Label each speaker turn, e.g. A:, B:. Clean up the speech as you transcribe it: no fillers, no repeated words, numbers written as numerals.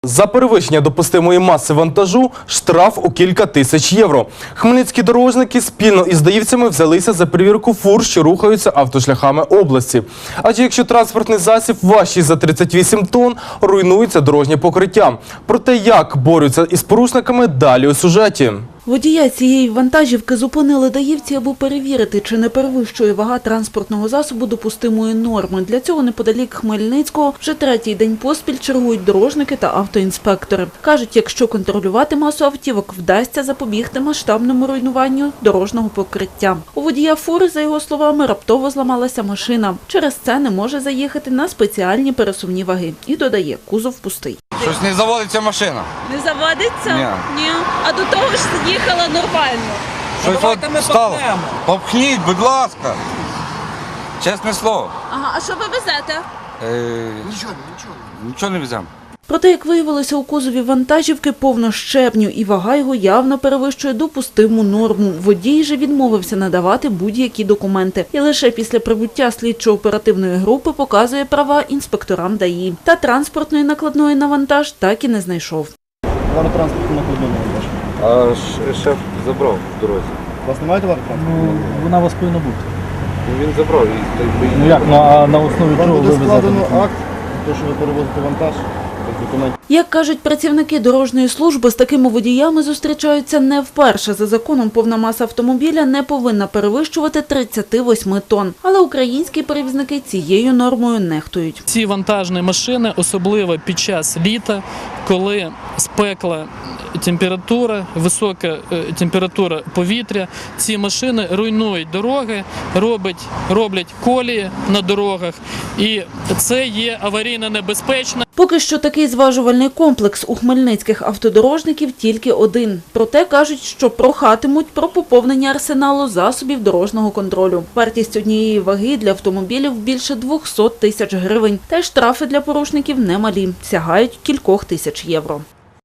A: За перевищення допустимої маси вантажу штраф у кілька тисяч євро. Хмельницькі дорожники спільно із даївцями взялися за перевірку фур, що рухаються автошляхами області. Адже якщо транспортний засіб важчий за 38 тонн, руйнується дорожнє покриття. Про те, як борються із порушниками, далі у сюжеті.
B: Водія цієї вантажівки зупинили даївці, аби перевірити, чи не перевищує вага транспортного засобу допустимої норми. Для цього неподалік Хмельницького вже третій день поспіль чергують дорожники та автоінспектори. Кажуть, якщо контролювати масу автівок, вдасться запобігти масштабному руйнуванню дорожнього покриття. У водія фури, за його словами, раптово зламалася машина. Через це не може заїхати на спеціальні пересувні ваги. І додає, кузов пустий.
C: Щось не заводиться машина.
D: Не заводиться?
C: Ні.
D: А до того ж їхала нормально.
C: Щось от стало. Попхніть, будь ласка. Чесне слово.
D: Ага, а що ви везете?
C: Нічого не веземо.
B: Проте, як виявилося, у кузові вантажівки повно щебню, і вага його явно перевищує допустиму норму. Водій же відмовився надавати будь-які документи. І лише після прибуття слідчо-оперативної групи показує права інспекторам ДАІ. Та транспортної накладної на вантаж так і не знайшов.
E: Товаротранспортну накладну на вантаж.
C: А шеф забрав в дорозі.
E: У вас немає товаротранспорту?
F: Вона у вас повинна бути.
C: Він забрав і
F: Ну як, а на основі
E: Вам
F: чого ви
E: буде
F: везете?
E: складено акт, те, що ви перевозите вантаж, без документів.
B: Як кажуть працівники дорожньої служби, з такими водіями зустрічаються не вперше. За законом повна маса автомобіля не повинна перевищувати 38 тонн. Але українські перевізники цією нормою нехтують.
F: Ці вантажні машини, особливо під час літа, коли спекла температура, висока температура повітря, ці машини руйнують дороги, роблять колії на дорогах, і це є аварійно небезпечно.
B: Поки що такий зважувальний комплекс у хмельницьких автодорожників тільки один. Проте кажуть, що прохатимуть про поповнення арсеналу засобів дорожнього контролю. Вартість однієї ваги для автомобілів більше 200 тисяч гривень. Та й штрафи для порушників немалі – сягають кількох тисяч євро.